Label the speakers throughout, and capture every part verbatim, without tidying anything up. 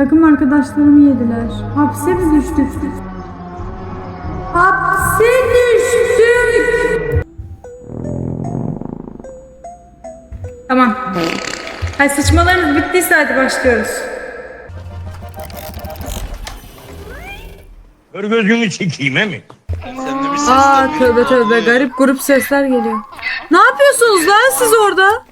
Speaker 1: Takım arkadaşlarımı yediler. Hapse mi düştük? Hapse düştük. Tamam. Hay sıçmalarınız bittiyse hadi başlıyoruz.
Speaker 2: Kör gözünü çekeyim he mi?
Speaker 3: Sen de bir ses
Speaker 1: Aa tövbe tövbe garip grup sesler geliyor. Ne yapıyorsunuz lan siz orada?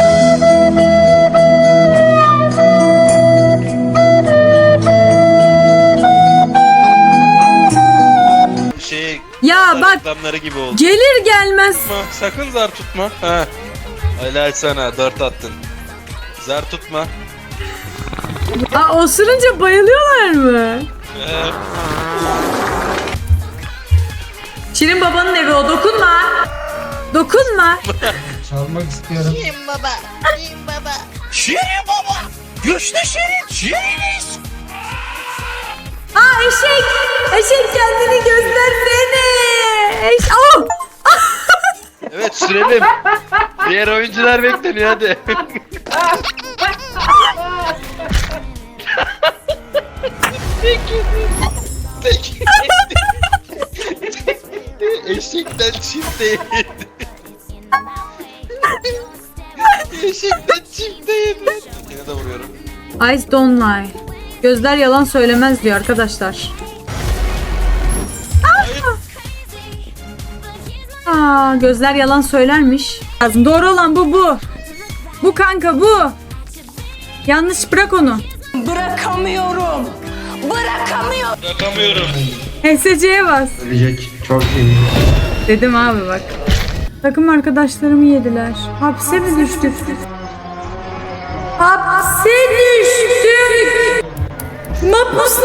Speaker 3: Şey,
Speaker 1: Ya bak
Speaker 3: reklamları gibi oldu.
Speaker 1: gelir gelmez.
Speaker 3: Tutma, sakın zar tutma. Ha. Helal sana, dört attın. Zar tutma.
Speaker 1: Aa osurunca bayılıyorlar mı?
Speaker 3: Ee,
Speaker 1: Şirin babanın evi o, dokunma. Dokunma.
Speaker 4: Çalmak istiyorum.
Speaker 5: Şirin baba. Şirin baba.
Speaker 2: Şirin baba! Güçlü Şirin! Şiriniz!
Speaker 1: Aa eşek. Eşek kendini göstersene. Eş oh!
Speaker 3: evet sürelim. Diğer oyuncular bekleniyor hadi. Peki. Eşekten çifte yedi. Eşekten çifte yedi. Yine de vuruyorum.
Speaker 1: Eyes don't lie. Gözler yalan söylemez diyor arkadaşlar. Aa, gözler yalan söylermiş. Lazım. Doğru olan bu bu. Bu kanka bu. Yanlış bırak onu.
Speaker 5: Bırakamıyorum. Bırakamıyorum.
Speaker 3: Bırakamıyorum.
Speaker 1: H S C'ye bas.
Speaker 4: Ölecek. Çok iyi.
Speaker 1: Dedim abi bak. Takım arkadaşlarımı yediler. Hapse mi düştük? Hapse düştük. Mapus